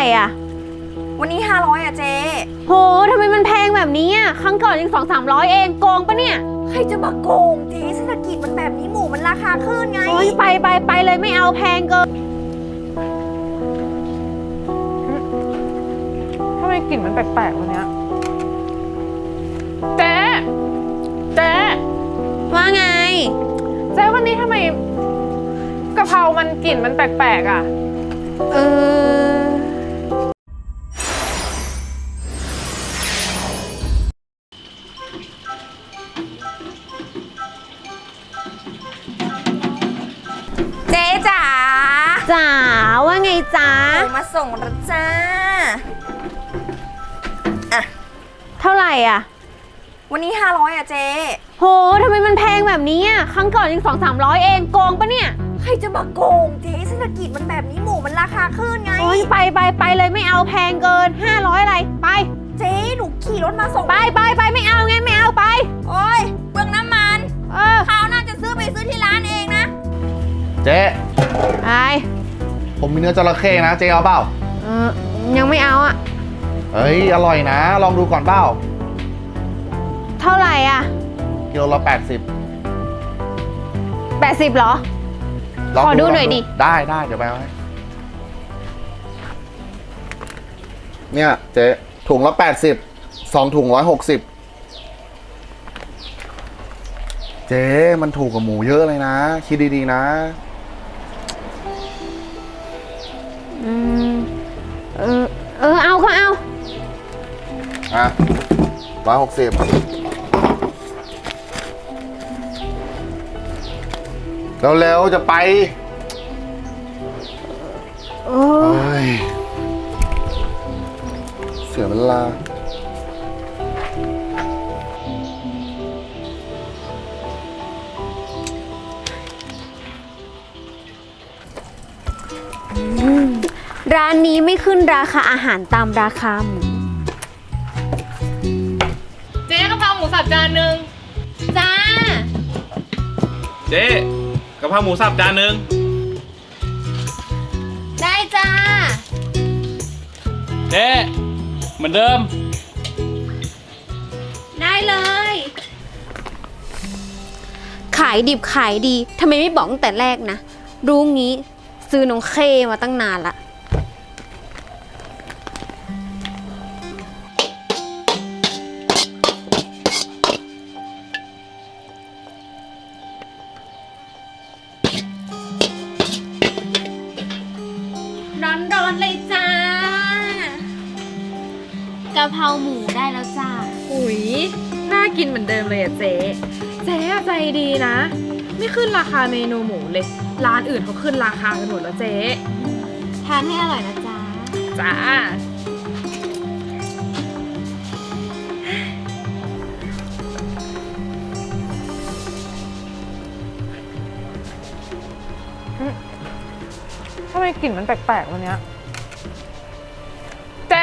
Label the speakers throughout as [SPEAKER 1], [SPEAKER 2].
[SPEAKER 1] อ่ะ
[SPEAKER 2] วันนี้500อะเจ๊
[SPEAKER 1] โหทำไมมันแพงแบบนี้อ่ะครั้งก่อนยัง200-300เองโกงปะเนี่ย
[SPEAKER 2] ใครจะมาโกงเจ๊เศรษฐกิจมันแบบนี้หมูมันราคาขึ้นไง
[SPEAKER 1] โอ้ยไปเลยไม่เอาแพงเกิน
[SPEAKER 3] ทำไมกลิ่นมันแปลกๆวันเนี้ยเจ๊
[SPEAKER 1] ว่าไง
[SPEAKER 3] เจ๊วันนี้ทำไมกะเพรามันกลิ่นมันแปลกๆอ่ะ
[SPEAKER 1] เออ
[SPEAKER 2] เจ๊จ๋า
[SPEAKER 1] จ๋าว่าไงจ๋า
[SPEAKER 2] หมูมาส่งแล้วจ้า
[SPEAKER 1] เท่าไหร่อ่ะ
[SPEAKER 2] วันนี้500อะเจ๊
[SPEAKER 1] โหทำไมมันแพงแบบนี้อ่ะครั้งก่อนยัง200-300เองโกงปะเนี่ย
[SPEAKER 2] ใครจะมาโกงเจ๊เศรษฐกิจมันแบบนี้หมูมันราคาขึ้นไง
[SPEAKER 1] โอ้ยไปเลยไม่เอาแพงเกิน500อะไรไป
[SPEAKER 2] เจ๊หนูขี่รถมาส่ง
[SPEAKER 1] ไปไม่เอาไงไม่เอาไป
[SPEAKER 2] โอ้ยเปลืองน้ำมัน
[SPEAKER 1] เออ
[SPEAKER 2] คราวหน้าจะซื้อที่ร้านเองนะ
[SPEAKER 4] เจ๊
[SPEAKER 1] ไป
[SPEAKER 4] ผมมีเนื้อจระเข้นะเจ๊เอาเปล่า
[SPEAKER 1] เออยังไม่เอาอ่ะ
[SPEAKER 4] เฮ้ยอร่อยนะ ลองดูก่อนเปล่า
[SPEAKER 1] เท่าไหร่อ่ะ
[SPEAKER 4] กิโลละ80
[SPEAKER 1] 80เหรอ
[SPEAKER 4] ลง
[SPEAKER 1] ขอดูหน่อยดิ
[SPEAKER 4] ได้เดี๋ยวไปเอาให้เนี่ยเจ๊ถุงละ80 2 ถุง160เจ๊มันถูกกว่าหมูเยอะเลยนะ คิดดีๆนะ
[SPEAKER 1] อืมเอาก็เอา
[SPEAKER 4] อ่ะ160เร็วๆจะไปเฮ้ยเสียเวลา
[SPEAKER 1] ร้านนี้ไม่ขึ้นราคาอาหารตามราคาหมู
[SPEAKER 3] เจ๊กะเพราหมูสับจานหนึ่ง
[SPEAKER 1] จ้า
[SPEAKER 5] เจ๊กะเพราหมูสับจานหนึ่ง
[SPEAKER 1] ได้จ้า
[SPEAKER 5] เจ๊เหมือนเดิม
[SPEAKER 1] ได้เลย ขายดิบขายดีทำไมไม่บอกตั้งแต่แรกนะ รู้งี้ซื้อน้องเคมาตั้งนานละ ร้อนๆเลยจ้ากะเพราหมูได้แล้วจ้า
[SPEAKER 3] อุ๊ยน่ากินเหมือนเดิมเลยอะเจ๊อะใจดีนะ ไม่ขึ้นราคาเมนูหมูเลย ร้านอื่นเขาขึ้นราคากันหมดแล้วเจ๊
[SPEAKER 1] ทานให้อร่อยนะจ๊ะ
[SPEAKER 3] จ้าทำไมกลิ่นมันแปลกๆวันเนี้ยเจ๊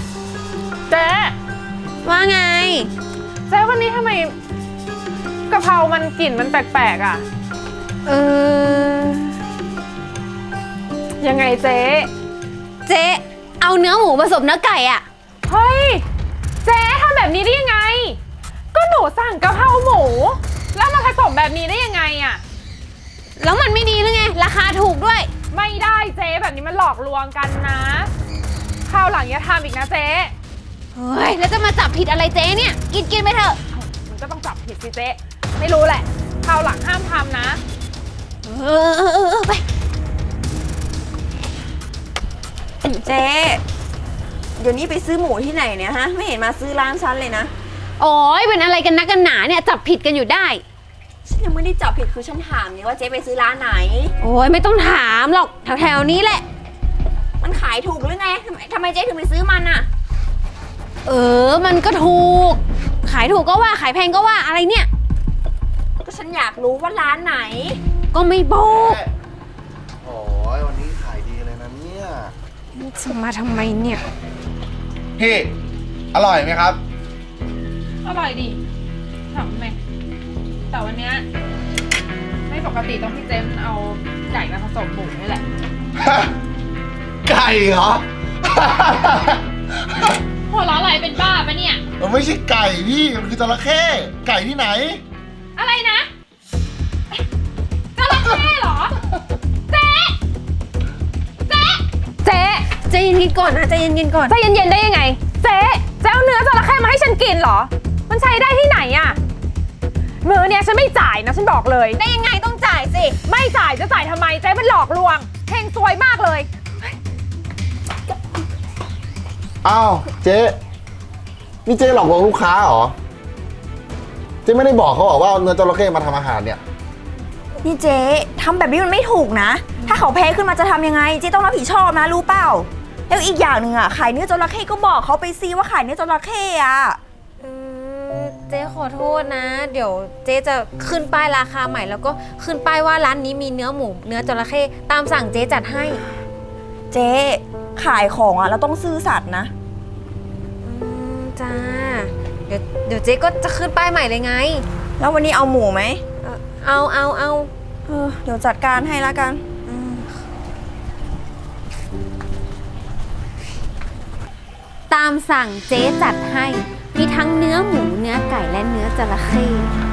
[SPEAKER 1] ว่าไง
[SPEAKER 3] เจ๊วันนี้ทำไมกะเพรามันกลิ่นมันแปลกๆอ่ะ
[SPEAKER 1] เออ
[SPEAKER 3] ยังไงเจ๊
[SPEAKER 1] เจ๊เอาเนื้อหมูผสมเนื้อไก่อะ
[SPEAKER 3] เฮ้ยเจ๊ทำแบบนี้ได้ยังไง ก็หนูสั่งกะเพราหมู แล้วมาผสมแบบนี้ได้ยังไงอ่ะ
[SPEAKER 1] แล้วมันไม่ดีหรือไง ราคาถูกด้วย
[SPEAKER 3] ไม่ได้เจ๊แบบนี้มันหลอกลวงกันนะคราวหลังอย่าทำอีกนะเจ๊
[SPEAKER 1] เฮ้ย แล้วจะมาจับผิดอะไรเจ๊เนี่ย กินไปเถอะ
[SPEAKER 3] มันก็ต้องจับผิดสิเจ๊ไม่รู้แหละคราวหลังห้ามทำนะ
[SPEAKER 1] เออไป
[SPEAKER 2] เจ๊เดี๋ยวนี้ไปซื้อหมูที่ไหนเนี่ยฮะไม่เห็นมาซื้อร้านฉันเลยนะ
[SPEAKER 1] โอ้ยเป็นอะไรกันนักกันหนาเนี่ย จับผิดกันอยู่ได้
[SPEAKER 2] ฉันยังไม่ได้จับผิดคือฉันถามเนี่ยว่าเจ๊ไปซื้อร้านไหน
[SPEAKER 1] โอ้ยไม่ต้องถามหรอกแถวๆนี้แหละ
[SPEAKER 2] มันขายถูกหรือไงทำไมเจ๊ถึงไปซื้อมันอะ
[SPEAKER 1] เออ มันก็ถูก ขายถูกก็ว่า ขายแพงก็ว่าอะไรเนี่ย
[SPEAKER 2] ก็ฉันอยากรู้ว่าร้านไหน
[SPEAKER 1] ก็ไม่บอก
[SPEAKER 4] โอ้ยวันนี้ขายดีเลยนะเนี่ย
[SPEAKER 1] จะมาทำไมเนี่ย
[SPEAKER 4] พี่ อร่อยไหมครับ
[SPEAKER 3] อร่อยดีถามไหมแต่วันเนี้ยไม่ปกติตรงที่เจ๊มันเอาไก่มาผสมหมูนี่แหละ
[SPEAKER 4] ไก่เหรอ
[SPEAKER 3] หัวเราะอะไรเป็นบ้าปะเนี่ย
[SPEAKER 4] มันไม่ใช่ไก่พี่ มันคือจระเข้ไก่ที่ไหน
[SPEAKER 3] อะไรนะจระเข้เหรอ เจ๊
[SPEAKER 1] ใจเย็นๆก่อนนะใจเย็นๆก่อน
[SPEAKER 3] ใจเย็นๆได้ยังไง เจ๊เอาเนื้อจระเข้มาให้ฉันกินเหรอ มันใช้ได้ที่ไหนอะมื้อเนี้ยฉันไม่จ่ายนะฉันบอกเลย
[SPEAKER 2] ได้ยังไงต้องจ่ายสิ
[SPEAKER 3] ไม่จ่ายจะจ่ายทำไมเจ๊เป็นหลอกลวงเฮงซวยมากเลย
[SPEAKER 4] อ้าวเจ๊นี่เจ๊หลอกลวงลูกค้าเหรอ เจ๊ไม่ได้บอกเขาหรอว่าเอาเนื้อจระเข้มาทำอาหารเนี่ย
[SPEAKER 2] นี่เจ๊ทำแบบนี้มันไม่ถูกนะ ถ้าเขาแพ้ขึ้นมาจะทำยังไง เจ๊ต้องรับผิดชอบนะรู้เปล่า แล้วอีกอย่างหนึ่งขายเนื้อจระเข้ก็บอกเขาไปซิว่าขายเนื้อจระเข้อะ
[SPEAKER 1] เจ๊ขอโทษนะ เดี๋ยวเจ๊จะขึ้นป้ายราคาใหม่แล้วก็ขึ้นป้ายว่าร้านนี้มีเนื้อหมูเนื้อจระเข้ตามสั่งเจ๊จัดให้
[SPEAKER 2] เจ๊ขายของเราต้องซื่อสัตย์นะ
[SPEAKER 1] จ้าเดี๋ยวเจ๊ก็จะขึ้นป้ายใหม่เลยไง
[SPEAKER 2] แล้ววันนี้เอาหมูไหม
[SPEAKER 1] เอา
[SPEAKER 2] เดี๋ยวจัดการให้ละกัน
[SPEAKER 1] ตามสั่งเจ๊จัดให้ มีทั้งเนื้อหมูเนื้อไก่และเนื้อจระเข้